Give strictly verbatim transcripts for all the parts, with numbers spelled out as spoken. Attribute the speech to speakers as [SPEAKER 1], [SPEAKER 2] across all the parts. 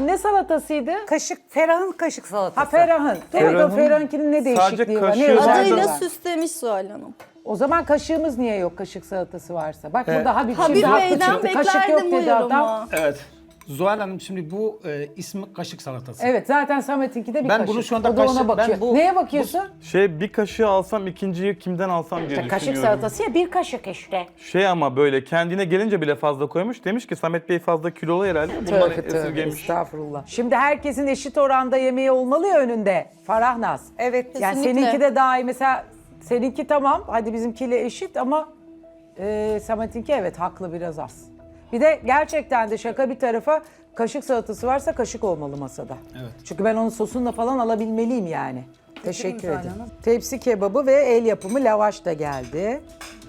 [SPEAKER 1] ne salatasıydı?
[SPEAKER 2] Kaşık, Ferah'ın kaşık salatası.
[SPEAKER 1] Ha Ferah'ın. Dur
[SPEAKER 3] Ferah'ın
[SPEAKER 1] bakalım Ferah'ınkinin ne değişikliği var? Ne
[SPEAKER 3] kaşığı
[SPEAKER 1] özelliği
[SPEAKER 4] Adıyla
[SPEAKER 1] var?
[SPEAKER 4] süslemiş Zuhal Hanım.
[SPEAKER 1] O zaman kaşığımız niye yok kaşık salatası varsa? Bak
[SPEAKER 3] Evet.
[SPEAKER 1] burada Habib,
[SPEAKER 4] Habib
[SPEAKER 1] şimdi haklı
[SPEAKER 4] Bey'den
[SPEAKER 1] çıktı. Kaşık yok
[SPEAKER 4] beklerdim bu
[SPEAKER 1] dedi adam.
[SPEAKER 4] yorumu.
[SPEAKER 5] Evet. Zuhal Hanım şimdi bu e, ismi kaşık salatası.
[SPEAKER 1] Evet zaten Samet'inki de bir
[SPEAKER 5] Ben
[SPEAKER 1] kaşık.
[SPEAKER 5] bunu şu anda
[SPEAKER 1] o da ona
[SPEAKER 5] kaşık- ben
[SPEAKER 1] bakıyor.
[SPEAKER 5] bu-
[SPEAKER 1] Neye bakıyorsun?
[SPEAKER 3] Şey bir kaşığı alsam ikinciyi kimden alsam diye
[SPEAKER 1] İşte kaşık
[SPEAKER 3] düşünüyorum.
[SPEAKER 1] salatası ya bir kaşık işte.
[SPEAKER 3] Şey ama böyle kendine gelince bile fazla koymuş. Demiş ki Samet Bey fazla kilolu herhalde. Bundan
[SPEAKER 1] Tövbe tövbe
[SPEAKER 3] esirgemiş.
[SPEAKER 1] estağfurullah. Şimdi herkesin eşit oranda yemeği olmalı ya önünde. Farahnaz.
[SPEAKER 2] Evet.
[SPEAKER 1] Yani
[SPEAKER 4] Kesinlikle.
[SPEAKER 1] seninki de daha iyi. Mesela seninki tamam. Hadi bizimkiyle eşit ama e, Samet'inki evet haklı biraz az. Bir de gerçekten de şaka bir tarafa kaşık salatası varsa kaşık olmalı masada.
[SPEAKER 5] Evet.
[SPEAKER 1] Çünkü ben onun sosunla falan alabilmeliyim yani. Teşekkür ederim. Tepsi kebabı ve el yapımı lavaş da geldi.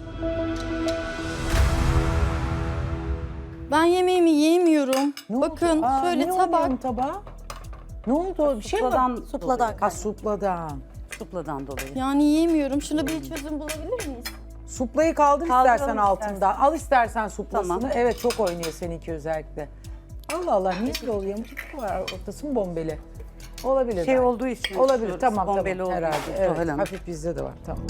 [SPEAKER 4] Ben yemeğimi yiyemiyorum.
[SPEAKER 1] Ne
[SPEAKER 4] Bakın
[SPEAKER 1] oldu? Aa,
[SPEAKER 4] şöyle
[SPEAKER 1] ne
[SPEAKER 4] tabak.
[SPEAKER 1] oluyor tabağa? Ne oldu? Bir şey mi?
[SPEAKER 2] Supladan,
[SPEAKER 4] Supladan.
[SPEAKER 1] Ha supladan.
[SPEAKER 2] supladan dolayı.
[SPEAKER 4] Yani yiyemiyorum. Şuna bir çözüm bulabilir miyiz?
[SPEAKER 1] Suplayı kaldır
[SPEAKER 2] Kaldıralım
[SPEAKER 1] istersen
[SPEAKER 2] istersen.
[SPEAKER 1] altından. Al istersen suplasını.
[SPEAKER 2] Tamam.
[SPEAKER 1] Evet çok oynuyor seninki özellikle. Allah Allah niye böyle oluyor? Yamuk var ortası mı bombeli? Olabilir.
[SPEAKER 2] Şey
[SPEAKER 1] belki.
[SPEAKER 2] olduğu için.
[SPEAKER 1] Olabilir
[SPEAKER 2] istiyoruz,
[SPEAKER 1] tamam
[SPEAKER 2] bombeli
[SPEAKER 1] tamam
[SPEAKER 2] olduğu
[SPEAKER 1] herhalde.
[SPEAKER 2] için,
[SPEAKER 1] Evet,
[SPEAKER 2] Zuhal Hanım.
[SPEAKER 1] hafif bizde de var tamam.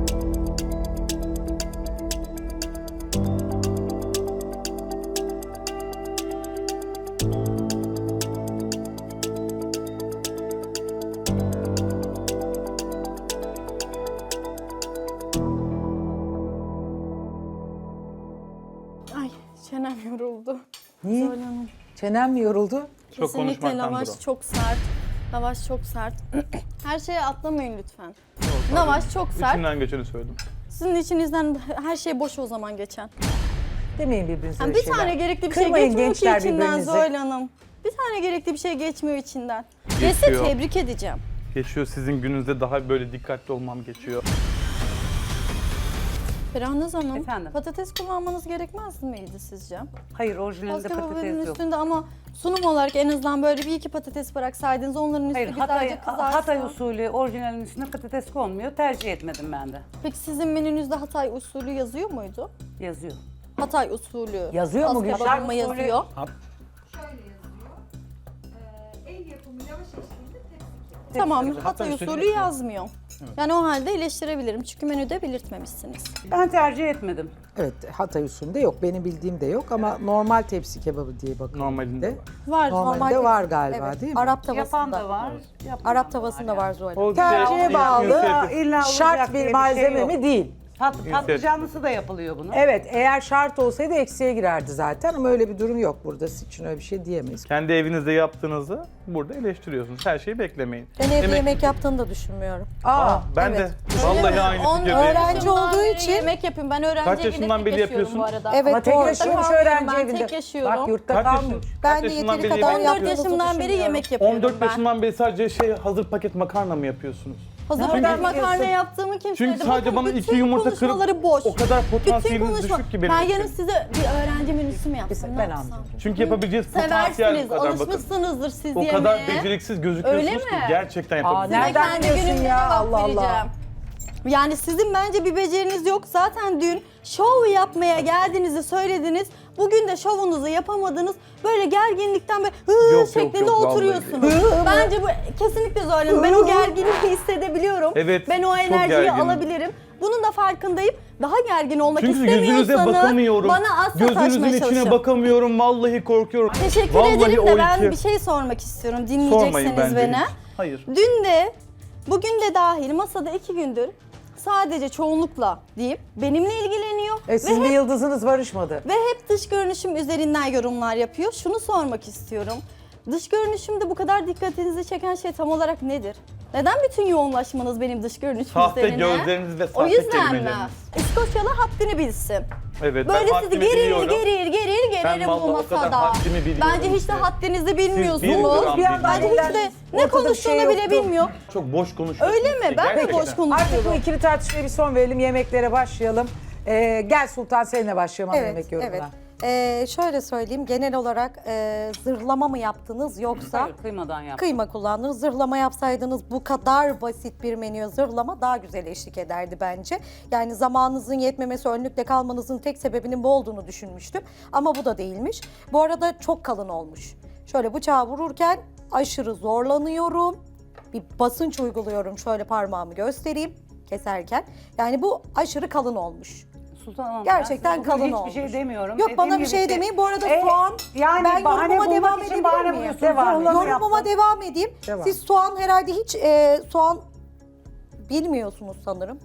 [SPEAKER 4] Ay çenem yoruldu.
[SPEAKER 1] Niye?
[SPEAKER 4] Zuhal Hanım.
[SPEAKER 1] Çenem mi yoruldu?
[SPEAKER 3] Çok
[SPEAKER 4] Kesinlikle
[SPEAKER 3] konuşmaktandır
[SPEAKER 4] lavaş
[SPEAKER 3] o.
[SPEAKER 4] çok sert. Lavaş çok sert. Her şeye atlamayın lütfen. Lavaş çok sert.
[SPEAKER 3] İçimden geçeni söyledim.
[SPEAKER 4] Sizin içinizden her şey boş o zaman geçen.
[SPEAKER 1] Demeyin birbirinize
[SPEAKER 4] Yani
[SPEAKER 1] öyle
[SPEAKER 4] bir
[SPEAKER 1] şeyler.
[SPEAKER 4] tane gerekli bir şey
[SPEAKER 1] Kırmayın
[SPEAKER 4] geçmiyor ki
[SPEAKER 1] gençler
[SPEAKER 4] içinden
[SPEAKER 1] birbirinizi.
[SPEAKER 4] Zuhal Hanım. Bir tane gerekli bir şey geçmiyor içinden. Ve size
[SPEAKER 3] Geçiyor.
[SPEAKER 4] tebrik edeceğim.
[SPEAKER 3] Geçiyor sizin gününüzde daha böyle dikkatli olmam geçiyor.
[SPEAKER 4] Ferhanaz Hanım,
[SPEAKER 2] Efendim?
[SPEAKER 4] patates kullanmanız gerekmez miydi sizce?
[SPEAKER 2] Hayır, orijinalinde
[SPEAKER 4] Baskı
[SPEAKER 2] patates yok.
[SPEAKER 4] üstünde ama sunum olarak en azından böyle bir iki patates bıraksaydınız onların üstü
[SPEAKER 2] Hayır,
[SPEAKER 4] güzelce
[SPEAKER 2] Hatay,
[SPEAKER 4] kızarsa.
[SPEAKER 2] Hatay usulü orijinalin üstüne patates konmuyor. Tercih etmedim ben de.
[SPEAKER 4] Peki sizin menünüzde Hatay usulü yazıyor muydu?
[SPEAKER 2] Yazıyor.
[SPEAKER 4] Hatay usulü.
[SPEAKER 1] Yazıyor mu
[SPEAKER 4] Baskı
[SPEAKER 1] Gülşah?
[SPEAKER 4] kebabı mı yazıyor?
[SPEAKER 6] Şöyle yazıyor. Ee, el yapımı lavaş eşliğinde tepsi kebabı.
[SPEAKER 4] Tamam,
[SPEAKER 5] Hatay
[SPEAKER 4] Hatay
[SPEAKER 5] usulü
[SPEAKER 4] usulü
[SPEAKER 5] yazıyor.
[SPEAKER 4] yazmıyor. Yani o halde eleştirebilirim çünkü menüde belirtmemişsiniz.
[SPEAKER 2] Ben tercih etmedim.
[SPEAKER 1] Evet Hatay usulünde yok. Benim bildiğim de yok ama normal tepsi kebabı diye bakıyorum.
[SPEAKER 3] Normalinde
[SPEAKER 1] de.
[SPEAKER 3] var.
[SPEAKER 4] Var.
[SPEAKER 1] Normalde
[SPEAKER 7] Normal-
[SPEAKER 1] var galiba
[SPEAKER 7] Evet,
[SPEAKER 1] değil mi?
[SPEAKER 7] Arap tavasında.
[SPEAKER 2] Yapan da var. yapmayan
[SPEAKER 7] Arap
[SPEAKER 2] da
[SPEAKER 7] tavasında
[SPEAKER 2] yani.
[SPEAKER 7] var Zuhal.
[SPEAKER 3] O
[SPEAKER 1] Tercihe
[SPEAKER 3] şey-
[SPEAKER 1] bağlı,
[SPEAKER 3] inisiyatif.
[SPEAKER 2] İlla olacak
[SPEAKER 1] şart
[SPEAKER 2] diye
[SPEAKER 1] bir
[SPEAKER 2] bir
[SPEAKER 1] malzeme
[SPEAKER 2] şey yok.
[SPEAKER 1] mi değil.
[SPEAKER 2] Pat, patlıcanlısı da yapılıyor bunun.
[SPEAKER 1] Evet eğer şart olsaydı eksiye girerdi zaten ama öyle bir durum yok burada. Sizin için öyle bir şey diyemeyiz.
[SPEAKER 3] Kendi evinizde yaptığınızı burada eleştiriyorsunuz. Her şeyi beklemeyin.
[SPEAKER 7] Ben evde
[SPEAKER 3] Yemek-
[SPEAKER 7] yemek yaptığını da düşünmüyorum.
[SPEAKER 1] Aa,
[SPEAKER 3] Aa, ben
[SPEAKER 7] evet.
[SPEAKER 3] de vallahi aynı
[SPEAKER 4] On-
[SPEAKER 3] fikirdeyim.
[SPEAKER 7] öğrenci
[SPEAKER 4] yaşımdan
[SPEAKER 7] olduğu
[SPEAKER 4] beri
[SPEAKER 7] için-
[SPEAKER 4] yemek yapıyorum. Ben öğrenci
[SPEAKER 3] Kaç
[SPEAKER 4] evinde
[SPEAKER 3] yaşından
[SPEAKER 4] tek
[SPEAKER 3] beri
[SPEAKER 4] yaşıyorum
[SPEAKER 3] yapıyorsun?
[SPEAKER 4] bu arada.
[SPEAKER 7] Evet,
[SPEAKER 1] ama tek
[SPEAKER 7] doğru.
[SPEAKER 1] yaşıyormuş
[SPEAKER 4] Kalmıyorum,
[SPEAKER 1] öğrenci
[SPEAKER 4] ben
[SPEAKER 1] evinde.
[SPEAKER 4] tek yaşıyorum.
[SPEAKER 1] Bak yurtta
[SPEAKER 3] Kaç
[SPEAKER 1] kalmıyor.
[SPEAKER 3] yaşın-
[SPEAKER 7] Ben
[SPEAKER 3] kaç
[SPEAKER 7] de
[SPEAKER 3] yaşından
[SPEAKER 7] yeteri
[SPEAKER 3] beri
[SPEAKER 7] kadar
[SPEAKER 3] yemek
[SPEAKER 4] on dört
[SPEAKER 7] yaptığınızı
[SPEAKER 4] yaşımdan beri
[SPEAKER 7] düşünmüyorum.
[SPEAKER 4] yemek yapıyorum
[SPEAKER 3] on dört
[SPEAKER 4] ben.
[SPEAKER 3] yaşından beri sadece şey hazır paket makarna mı yapıyorsunuz?
[SPEAKER 4] Hazır
[SPEAKER 1] Nereden
[SPEAKER 4] paket makarna
[SPEAKER 1] biliyorsun?
[SPEAKER 4] yaptığımı kim
[SPEAKER 3] Çünkü
[SPEAKER 4] söyledi?
[SPEAKER 3] sadece
[SPEAKER 4] Bakın
[SPEAKER 3] bana
[SPEAKER 4] bütün
[SPEAKER 3] iki yumurta kırıp
[SPEAKER 4] konuşmaları boş.
[SPEAKER 3] o kadar
[SPEAKER 4] Bütün
[SPEAKER 3] potansiyeliniz
[SPEAKER 4] konuşma.
[SPEAKER 3] düşük ki benim
[SPEAKER 4] Ben
[SPEAKER 3] için.
[SPEAKER 4] yarın size bir öğrenci menüsü mü yapsam?
[SPEAKER 1] Ben
[SPEAKER 4] ne yapsam?
[SPEAKER 1] anladım.
[SPEAKER 3] Çünkü yapabileceğiniz potansiyel
[SPEAKER 4] Seversiniz,
[SPEAKER 3] bu kadar bakın.
[SPEAKER 4] alışmışsınızdır siz
[SPEAKER 3] O
[SPEAKER 4] yemeğe.
[SPEAKER 3] kadar beceriksiz gözüküyorsunuz
[SPEAKER 4] Öyle
[SPEAKER 3] ki
[SPEAKER 4] mi?
[SPEAKER 3] gerçekten
[SPEAKER 1] Aa,
[SPEAKER 3] yapabilirsiniz.
[SPEAKER 4] Size
[SPEAKER 1] nereden
[SPEAKER 4] kendi
[SPEAKER 1] biliyorsun
[SPEAKER 4] günümde
[SPEAKER 1] ya?
[SPEAKER 4] cevap
[SPEAKER 1] Allah Allah.
[SPEAKER 4] vereceğim. Yani sizin bence bir beceriniz yok. Zaten dün şov yapmaya geldiğinizi söylediniz. Bugün de şovunuzu yapamadınız. Böyle gerginlikten böyle hı
[SPEAKER 3] Yok, yok,
[SPEAKER 4] şeklinde
[SPEAKER 3] yok, vallahi.
[SPEAKER 4] oturuyorsunuz. Bence bu kesinlikle zorlanın. Ben o gerginliği hissedebiliyorum.
[SPEAKER 3] Evet,
[SPEAKER 4] Ben o
[SPEAKER 3] çok
[SPEAKER 4] enerjiyi
[SPEAKER 3] gerginim.
[SPEAKER 4] alabilirim. Bunun da farkındayım. Daha gergin olmak
[SPEAKER 3] Çünkü gözünüze
[SPEAKER 4] istemiyorsanız
[SPEAKER 3] bakamıyorum.
[SPEAKER 4] bana az
[SPEAKER 3] Gözünüzün
[SPEAKER 4] sataşmaya
[SPEAKER 3] içine
[SPEAKER 4] çalışın.
[SPEAKER 3] bakamıyorum. Vallahi korkuyorum.
[SPEAKER 4] Teşekkür
[SPEAKER 3] Vallahi
[SPEAKER 4] ederim
[SPEAKER 3] o
[SPEAKER 4] de ben
[SPEAKER 3] iki.
[SPEAKER 4] bir şey sormak istiyorum.
[SPEAKER 3] Sormayın
[SPEAKER 4] Dinleyecekseniz
[SPEAKER 3] bence
[SPEAKER 4] beni.
[SPEAKER 3] hiç. Hayır.
[SPEAKER 4] Dün de, bugün de dahil masada iki gündür sadece çoğunlukla diyeyim benimle ilgileniyor
[SPEAKER 1] E,
[SPEAKER 4] ve,
[SPEAKER 1] sizin bir
[SPEAKER 4] hep,
[SPEAKER 1] yıldızınız barışmadı.
[SPEAKER 4] ve hep dış görünüşüm üzerinden yorumlar yapıyor. Şunu sormak istiyorum. Dış görünüşümde bu kadar dikkatinizi çeken şey tam olarak nedir? Neden bütün yoğunlaşmanız benim dış görünüşüm
[SPEAKER 3] Sahte
[SPEAKER 4] üzerine?
[SPEAKER 3] gözleriniz ve
[SPEAKER 4] O
[SPEAKER 3] sahte
[SPEAKER 4] yüzden mi?
[SPEAKER 3] kelimeleriniz.
[SPEAKER 4] İskoçyalı haddini bilsin.
[SPEAKER 3] Evet,
[SPEAKER 4] Böyle
[SPEAKER 3] ben
[SPEAKER 4] sizi
[SPEAKER 3] haddimi
[SPEAKER 4] gerir
[SPEAKER 3] biliyorum.
[SPEAKER 4] gerir gerir gelirim
[SPEAKER 3] vallahi
[SPEAKER 4] bu
[SPEAKER 3] o kadar
[SPEAKER 4] masada.
[SPEAKER 3] haddimi biliyorum
[SPEAKER 4] Bence hiç de
[SPEAKER 3] işte.
[SPEAKER 4] haddinizi
[SPEAKER 3] bir
[SPEAKER 4] bilmiyorsunuz.
[SPEAKER 3] gram
[SPEAKER 1] Bir yandan
[SPEAKER 4] Bence hiç de
[SPEAKER 1] eğlendiniz.
[SPEAKER 4] ne
[SPEAKER 1] Ortada bir
[SPEAKER 4] konuştuğunu
[SPEAKER 1] şey
[SPEAKER 4] bile
[SPEAKER 1] yoktu.
[SPEAKER 4] bilmiyor.
[SPEAKER 3] Çok boş konuşuyorsunuz.
[SPEAKER 4] Öyle mi?
[SPEAKER 3] ki,
[SPEAKER 4] Ben de
[SPEAKER 3] gerçekten.
[SPEAKER 4] boş konuşuyorum.
[SPEAKER 1] Artık bu ikili tartışmaya bir son verelim. Yemeklere başlayalım. Ee, gel Sultan seninle başlayalım ana yemek
[SPEAKER 7] Evet,
[SPEAKER 1] yorumuna.
[SPEAKER 7] evet. Ee, şöyle söyleyeyim, genel olarak e, zırhlama mı yaptınız yoksa
[SPEAKER 2] Hayır, kıymadan yaptım.
[SPEAKER 7] kıyma kullandınız? Zırhlama yapsaydınız bu kadar basit bir menüye zırhlama daha güzel eşlik ederdi bence. Yani zamanınızın yetmemesi, önlükle kalmanızın tek sebebinin bu olduğunu düşünmüştüm. Ama bu da değilmiş. Bu arada çok kalın olmuş. Şöyle bıçağı vururken aşırı zorlanıyorum. Bir basınç uyguluyorum. Şöyle parmağımı göstereyim keserken. Yani bu aşırı kalın olmuş.
[SPEAKER 2] Sultan Hanım,
[SPEAKER 7] Gerçekten
[SPEAKER 2] ben
[SPEAKER 7] kalın
[SPEAKER 2] hiçbir
[SPEAKER 7] olmuş.
[SPEAKER 2] şey demiyorum.
[SPEAKER 7] Yok,
[SPEAKER 2] Dediğim
[SPEAKER 7] bana bir
[SPEAKER 2] gibi
[SPEAKER 7] şey
[SPEAKER 2] işte-
[SPEAKER 7] demeyin. Bu arada
[SPEAKER 2] E,
[SPEAKER 7] soğan,
[SPEAKER 2] yani
[SPEAKER 7] ben
[SPEAKER 2] bahane
[SPEAKER 7] yorumuma
[SPEAKER 2] bulmak
[SPEAKER 7] devam
[SPEAKER 2] için
[SPEAKER 7] edebilir
[SPEAKER 2] bahane
[SPEAKER 7] miyim?
[SPEAKER 2] buluyorsunuz.
[SPEAKER 1] Devam edin.
[SPEAKER 2] Yorumlarını
[SPEAKER 7] Yorumuma
[SPEAKER 2] yaptım.
[SPEAKER 7] devam edeyim.
[SPEAKER 1] Devam.
[SPEAKER 7] Siz soğan herhalde hiç e, soğan bilmiyorsunuz sanırım.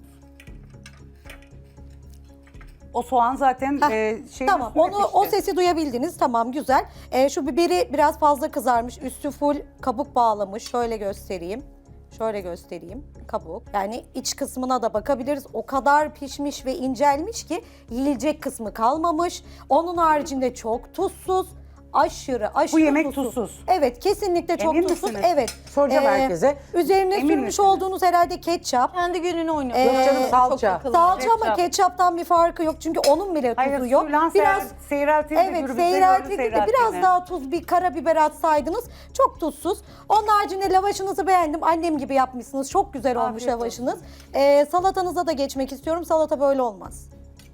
[SPEAKER 2] O soğan zaten
[SPEAKER 7] Heh,
[SPEAKER 2] e, şey
[SPEAKER 7] Tamam, onu o sesi duyabildiniz. Tamam, güzel. E, şu biberi biraz fazla kızarmış. Üstü full kabuk bağlamış. Şöyle göstereyim. Şöyle göstereyim. Kabuk. Yani iç kısmına da bakabiliriz. O kadar pişmiş ve incelmiş ki yiyecek kısmı kalmamış. Onun haricinde çok tuzsuz. Aşırı aşırı
[SPEAKER 2] Bu yemek tuzsuz.
[SPEAKER 7] Evet, kesinlikle çok
[SPEAKER 2] Emin
[SPEAKER 7] tuzsuz.
[SPEAKER 2] misiniz?
[SPEAKER 7] Evet.
[SPEAKER 1] Soracağım herkese.
[SPEAKER 7] Üzerine
[SPEAKER 2] Emin
[SPEAKER 7] sürmüş
[SPEAKER 2] misiniz?
[SPEAKER 7] olduğunuz herhalde ketçap.
[SPEAKER 4] Kendi gününü oynuyor.
[SPEAKER 7] Yok
[SPEAKER 1] canım,
[SPEAKER 4] Çok
[SPEAKER 1] salça.
[SPEAKER 4] akıllı.
[SPEAKER 7] Salça ama
[SPEAKER 2] Ketçap.
[SPEAKER 7] ketçaptan bir farkı yok. Çünkü onun bile tuzu
[SPEAKER 2] Hayır,
[SPEAKER 7] yok.
[SPEAKER 2] suyla
[SPEAKER 7] Biraz
[SPEAKER 2] seyre- seyreltildi.
[SPEAKER 7] Evet,
[SPEAKER 2] gürbüzde gördü
[SPEAKER 7] seyreltildi de biraz
[SPEAKER 2] seyreltildiğini.
[SPEAKER 7] daha tuz, bir karabiber atsaydınız çok tuzsuz. Onun haricinde lavaşınızı beğendim. Annem gibi yapmışsınız. Çok güzel olmuş
[SPEAKER 2] Afiyet
[SPEAKER 7] lavaşınız. Ee, salatanıza da geçmek istiyorum. Salata böyle olmaz.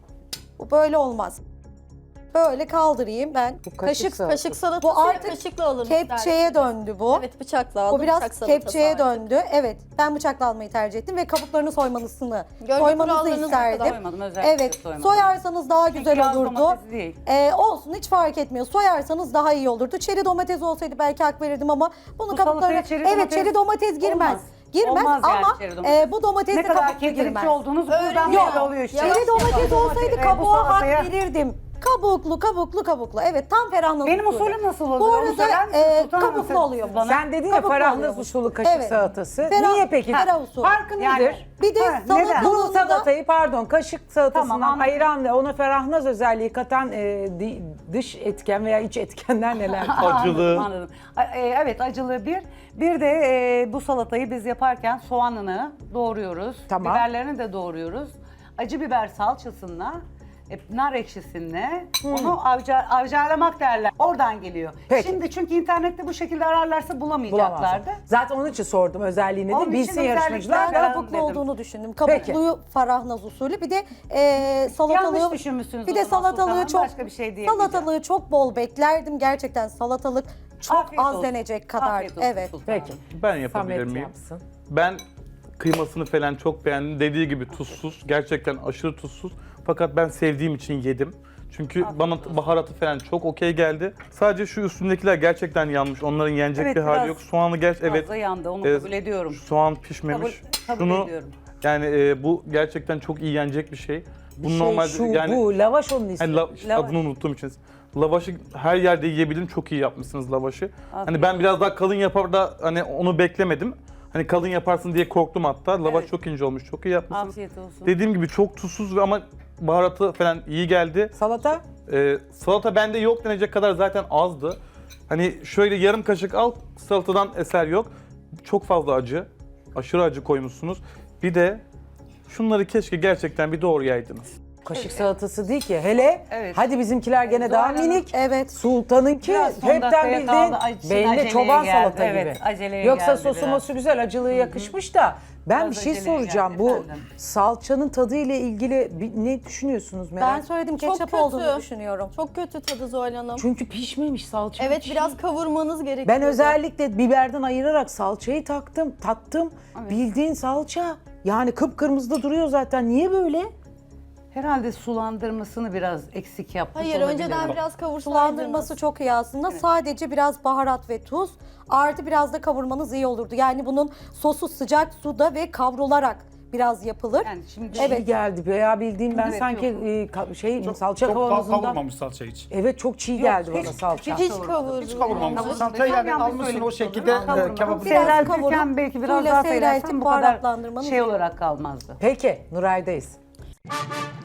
[SPEAKER 7] Bu böyle olmaz. Böyle kaldırayım ben.
[SPEAKER 1] Bu kaşık
[SPEAKER 7] Kaşık,
[SPEAKER 1] salatası.
[SPEAKER 4] Kaşık salatası
[SPEAKER 7] Bu artık
[SPEAKER 4] kaşıkla alın
[SPEAKER 7] kepçeye
[SPEAKER 4] isterseniz.
[SPEAKER 7] döndü bu.
[SPEAKER 4] Evet, bıçakla aldım.
[SPEAKER 7] Bu biraz
[SPEAKER 4] bıçak salatası
[SPEAKER 7] kepçeye
[SPEAKER 4] artık.
[SPEAKER 7] döndü. Evet, ben bıçakla almayı tercih ettim ve kabuklarını soymanızını,
[SPEAKER 4] Görgü
[SPEAKER 7] soymanızı
[SPEAKER 4] kurallarınız
[SPEAKER 7] isterdim.
[SPEAKER 4] kadar
[SPEAKER 2] soymadım, özellikle
[SPEAKER 7] Evet,
[SPEAKER 2] soymadım.
[SPEAKER 7] soyarsanız daha güzel
[SPEAKER 2] yağ
[SPEAKER 7] olurdu.
[SPEAKER 2] domatesi değil.
[SPEAKER 7] Ee, olsun, hiç fark etmiyor. Soyarsanız daha iyi olurdu. Çeri domates olsaydı belki hak verirdim ama bunu
[SPEAKER 2] Bu
[SPEAKER 7] kabuklarına...
[SPEAKER 2] salataya çeri
[SPEAKER 7] Evet,
[SPEAKER 2] domates
[SPEAKER 7] çeri domates girmez.
[SPEAKER 2] olmaz.
[SPEAKER 7] Girmez
[SPEAKER 2] Olmaz yani
[SPEAKER 7] ama
[SPEAKER 2] çeri domates.
[SPEAKER 7] e, bu domates
[SPEAKER 2] Ne
[SPEAKER 7] de
[SPEAKER 2] kadar
[SPEAKER 7] kabuklu girmez.
[SPEAKER 2] keklikçi olduğunuz buradan
[SPEAKER 4] Öğreniyor.
[SPEAKER 2] belli oluyor işte.
[SPEAKER 7] Çeri domates olsaydı
[SPEAKER 2] e, bu
[SPEAKER 7] kabuğa hak
[SPEAKER 2] salataya-
[SPEAKER 7] verirdim. Kabuklu, kabuklu, kabuklu. Evet, tam ferahlık
[SPEAKER 2] Benim
[SPEAKER 7] usulü.
[SPEAKER 2] usulüm nasıl oluyor?
[SPEAKER 7] Bu
[SPEAKER 2] Onu
[SPEAKER 7] arada
[SPEAKER 2] söyler misiniz
[SPEAKER 7] e,
[SPEAKER 2] Sultan Hanım?
[SPEAKER 7] kabuklu
[SPEAKER 2] Siz-
[SPEAKER 7] oluyor.
[SPEAKER 2] siz bana-
[SPEAKER 1] Sen dedin ya
[SPEAKER 7] Kabuklu
[SPEAKER 1] ferahnaz
[SPEAKER 7] oluyormuş.
[SPEAKER 1] usulü kaşık
[SPEAKER 7] Evet.
[SPEAKER 1] salatası.
[SPEAKER 7] Ferah-
[SPEAKER 1] Niye peki?
[SPEAKER 7] ferah usulü.
[SPEAKER 1] Farkı
[SPEAKER 2] Yani-
[SPEAKER 1] nedir?
[SPEAKER 7] Bir de
[SPEAKER 2] Ha, neden?
[SPEAKER 1] Bu
[SPEAKER 7] salatalığında da...
[SPEAKER 1] salatayı pardon kaşık salatasından
[SPEAKER 2] Tamam, anladım.
[SPEAKER 1] ayıran ve ona ferahnaz özelliği katan e, di- dış etken veya iç etkenler neler?
[SPEAKER 3] Acılı.
[SPEAKER 2] Anladım, anladım. A- e, Evet, acılı bir. Bir de e, bu salatayı biz yaparken soğanını doğruyoruz.
[SPEAKER 1] Tamam.
[SPEAKER 2] Biberlerini de doğruyoruz. Acı biber salçasına, e, nar ekşisinle onu avcar, avcarlamak derler. Oradan geliyor.
[SPEAKER 1] Peki.
[SPEAKER 2] Şimdi çünkü internette bu şekilde ararlarsa bulamayacaklardı.
[SPEAKER 1] Bulamazsın. Zaten onun için sordum özelliğini
[SPEAKER 2] Onun
[SPEAKER 1] de
[SPEAKER 2] için
[SPEAKER 1] bilsin
[SPEAKER 2] özellikle
[SPEAKER 1] yarışmacılar.
[SPEAKER 2] ben-
[SPEAKER 1] da.
[SPEAKER 2] Ferah
[SPEAKER 7] kabuklu
[SPEAKER 2] dedim.
[SPEAKER 7] olduğunu düşündüm.
[SPEAKER 1] Peki.
[SPEAKER 7] Kabukluyu ferahnaz usulü. Bir de e, salatalığı...
[SPEAKER 2] Yanlış düşünmüşsünüz
[SPEAKER 7] Bir
[SPEAKER 2] o
[SPEAKER 7] de
[SPEAKER 2] zaman
[SPEAKER 7] salatalığı
[SPEAKER 2] sultanım,
[SPEAKER 7] çok...
[SPEAKER 2] başka bir şey diyemeyeceğim.
[SPEAKER 7] salatalığı çok bol beklerdim. Gerçekten salatalık çok
[SPEAKER 2] Afiyet
[SPEAKER 7] az
[SPEAKER 2] olsun.
[SPEAKER 7] denecek kadar.
[SPEAKER 2] Afiyet olsun
[SPEAKER 7] Evet.
[SPEAKER 2] sultanım.
[SPEAKER 1] Peki.
[SPEAKER 3] Ben yapabilir
[SPEAKER 1] Samet
[SPEAKER 3] miyim?
[SPEAKER 1] yapsın.
[SPEAKER 3] Ben kıymasını falan çok beğendim. Dediği gibi tuzsuz. Gerçekten aşırı tuzsuz. Fakat ben sevdiğim için yedim. Çünkü bana baharatı falan çok okey geldi. Sadece şu üstündekiler gerçekten yanmış. Onların yenecek
[SPEAKER 2] Evet,
[SPEAKER 3] bir hali
[SPEAKER 2] biraz
[SPEAKER 3] yok. Soğanı gerçi evet.
[SPEAKER 2] Fazla yandı, onu
[SPEAKER 3] e,
[SPEAKER 2] kabul ediyorum.
[SPEAKER 3] Soğan pişmemiş.
[SPEAKER 2] Kabul- kabul
[SPEAKER 3] Şunu
[SPEAKER 2] ediyorum.
[SPEAKER 3] yani e, bu gerçekten çok iyi yenecek bir şey. Bu
[SPEAKER 1] Şey,
[SPEAKER 3] normalde
[SPEAKER 1] şu
[SPEAKER 3] yani
[SPEAKER 1] bu lavaş onun ismi.
[SPEAKER 3] hani la-
[SPEAKER 2] Lavaş.
[SPEAKER 3] adını unuttuğum için. Lavaşı her yerde yiyebilirim. Çok iyi yapmışsınız lavaşı.
[SPEAKER 2] Afiyet
[SPEAKER 3] Hani ben biraz daha kalın yapar da hani onu beklemedim. Hani kalın yaparsın diye korktum hatta. Lavaş
[SPEAKER 2] Evet.
[SPEAKER 3] çok ince olmuş. Çok iyi yapmışsınız.
[SPEAKER 2] Afiyet olsun.
[SPEAKER 3] Dediğim gibi çok tuzsuz ve ama baharatı falan iyi geldi.
[SPEAKER 1] Salata?
[SPEAKER 3] Ee, salata bende yok denecek kadar zaten azdı. Hani şöyle yarım kaşık al, salatadan eser yok. Çok fazla acı. Aşırı acı koymuşsunuz. Bir de şunları keşke gerçekten bir doğrayaydınız.
[SPEAKER 1] Kaşık salatası değil ki. Hele
[SPEAKER 2] Evet.
[SPEAKER 1] hadi bizimkiler gene daha
[SPEAKER 2] Zuhal Hanım,
[SPEAKER 1] minik.
[SPEAKER 7] Evet.
[SPEAKER 1] Sultan'ınki
[SPEAKER 2] Biraz son
[SPEAKER 1] hepten
[SPEAKER 2] dakikaya
[SPEAKER 1] bildiğin
[SPEAKER 2] kaldı. Ay, için
[SPEAKER 1] belli
[SPEAKER 2] aceleye
[SPEAKER 1] çoban
[SPEAKER 2] geldi.
[SPEAKER 1] salata
[SPEAKER 2] Evet,
[SPEAKER 1] gibi.
[SPEAKER 2] aceleye
[SPEAKER 1] Yoksa
[SPEAKER 2] geldi
[SPEAKER 1] sosu
[SPEAKER 2] biraz.
[SPEAKER 1] mosu güzel, acılığı yakışmış da ben
[SPEAKER 2] Biraz
[SPEAKER 1] bir şey
[SPEAKER 2] aceleye
[SPEAKER 1] soracağım.
[SPEAKER 2] geldi
[SPEAKER 1] Bu
[SPEAKER 2] efendim.
[SPEAKER 1] salçanın tadı ile ilgili bir- ne düşünüyorsunuz merak?
[SPEAKER 7] Ben söyledim,
[SPEAKER 4] Çok
[SPEAKER 7] ketçap
[SPEAKER 4] kötü.
[SPEAKER 7] olduğunu düşünüyorum.
[SPEAKER 4] Çok kötü tadı Zuhal Hanım.
[SPEAKER 1] Çünkü pişmemiş salça.
[SPEAKER 4] Evet,
[SPEAKER 1] pişmiş.
[SPEAKER 4] biraz kavurmanız gerekiyor.
[SPEAKER 1] Ben özellikle biberden ayırarak salçayı taktım, tattım. Bildiğin salça. Yani kıpkırmızı da duruyor zaten. Niye böyle?
[SPEAKER 2] Herhalde sulandırmasını biraz eksik yapmış
[SPEAKER 4] Hayır,
[SPEAKER 2] olabilirim.
[SPEAKER 4] önceden biraz kavursaydınız.
[SPEAKER 7] Sulandırması çok iyi aslında. Sadece biraz baharat ve tuz. Artı biraz da kavurmanız iyi olurdu. Yani bunun sosu sıcak suda ve kavrularak biraz yapılır.
[SPEAKER 2] Yani şimdi
[SPEAKER 1] Evet geldi. Veya bildiğim ben
[SPEAKER 2] Evet,
[SPEAKER 1] sanki
[SPEAKER 2] yok.
[SPEAKER 1] e, ka- şey salça
[SPEAKER 5] Çok kav-
[SPEAKER 1] kavanozundan.
[SPEAKER 5] kavurmamış salça hiç.
[SPEAKER 1] Evet çok çiğ
[SPEAKER 2] Yok,
[SPEAKER 1] geldi
[SPEAKER 2] hiç-
[SPEAKER 1] bana salça.
[SPEAKER 2] hiç-
[SPEAKER 4] Hiç kavurdu.
[SPEAKER 5] Hiç kavurmamış.
[SPEAKER 2] Kavurmamış.
[SPEAKER 5] Salçayı yani
[SPEAKER 2] Yanlış
[SPEAKER 5] almışsın o
[SPEAKER 2] söylemiş
[SPEAKER 5] şekilde
[SPEAKER 2] olurum.
[SPEAKER 5] e,
[SPEAKER 2] Kavurmamış.
[SPEAKER 5] kebabı.
[SPEAKER 7] Biraz
[SPEAKER 2] Seyreltirken
[SPEAKER 7] kavurup
[SPEAKER 2] belki biraz
[SPEAKER 7] suyla
[SPEAKER 2] daha
[SPEAKER 7] seyreltip
[SPEAKER 2] seyreltsem bu kadar
[SPEAKER 7] baharatlandırmanız
[SPEAKER 2] şey
[SPEAKER 7] iyi.
[SPEAKER 2] olarak kalmazdı.
[SPEAKER 1] Peki Nuray'dayız.